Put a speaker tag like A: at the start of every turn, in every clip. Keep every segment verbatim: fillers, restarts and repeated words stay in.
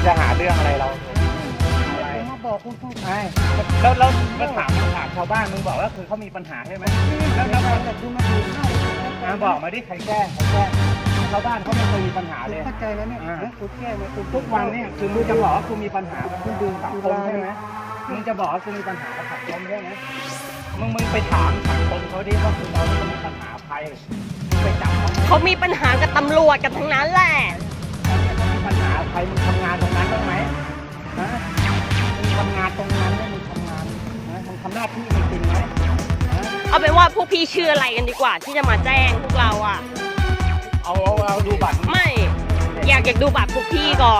A: จะหาเรื่องอะไรเราอะไร
B: มาบอกคุณพูด
A: ไอ้แล้วแล้วมาถามมาถามชาวบ้านมึงบอกว่าคือเขามีปัญหาใช่ไหมแล้วแล้ว
B: แต่ดูมาดูเข้า
A: อ่าบอกมาดิใครแก้ใครแก้ชาวบ้านเขาไม่เคยมีปัญหาเลย
B: เข้าใจแล้วเนี่ยคุณแก้ไหมคุณ
A: ทุกวันเนี่ยคือมึงจะบอกว่าคุณมีปัญหากับคุณดูสังคมใช่ไหมมึงจะบอกว่าคุณมีปัญหากับสังคมใช่ไหมมึงมึงไปถามสังคมเขาดิว่าคุณเราไม่มีปัญหาใครมึงไปจับเขา
C: เขามีปัญหากับตำรวจกันทั้งนั้นแหละ
A: เขามีปัญหาใครมึงทำงานตรงนั้นได้ไหมฮะมึงทำงานตรงนั้นได้มึงทำงานนะมึงทำหน้าที่มึงจริงไหมฮะ
C: เอาเป็นว่าพวกพี่ชื่ออะไรกันดีกว่าที่จะมาแจ้งพวกเราอ่ะ
A: เอาเอาเอาดูบัตร
C: ไม่อยากอยากดูบัตรพวกพี่ก่อน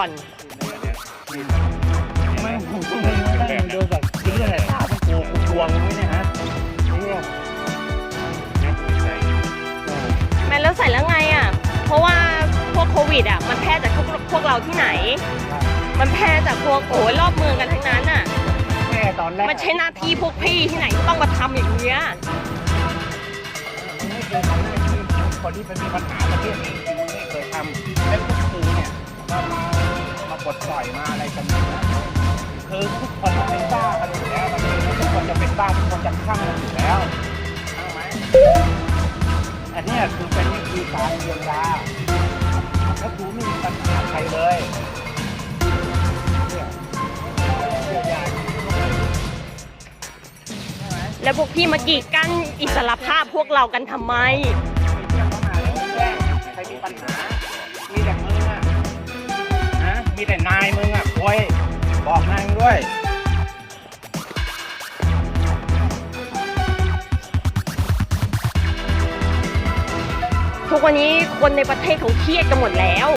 A: ไม่ผมก็ไม่ได้มึงดูแบบจริงเลยถามกูกูทวงมึงเนี่ยฮะเนี่ย
C: แม่แล้วใส่แล้วไงอ่ะ เพราะว่าพวกโควิดอ่ะมันแพร่จากพวกพวกเราที่ไหน มันแพร่จากพวกโอ้ยรอบเมืองกันทั้งนั้นอ่ะ
A: แม่ตอนแรก
C: มันใช่หน้าที่พวกพี่ที่ไหนที่ต้องมาทำอย่างเงี้ย
A: มึงไม่เคยทำหน้าที่คนที่เป็นมีปัญหาประเทศนี้จริงๆมึงไม่เคยทำแล้วพวกกูเนี่ยมามามาปลดปล่อยมาอะไรกันเนี่ยคือทุกคนมันเป็นบ้ากันอยู่แล้วมันทุกคนจะเป็นบ้าทุกคนจะคลั่งกันอยู่แล้วใช่ไหมอันเนี้ยคือเป็นวิธีการเยียวยาแล้วกูไม่มีปัญหาใครเลยเนี่ยเยียวยา
C: แล้วพวกพี่มากีดกันอิสรภาพพวกเรากันทำไม
A: ใครมีปัญหา มีแต่มึงอ่ะนะ มีแต่นายมึงอ่ะโวยบอกนายมึงด้วย
C: ทุกวันนี้คนในประเทศเขาเครียดกันหมดแล้ว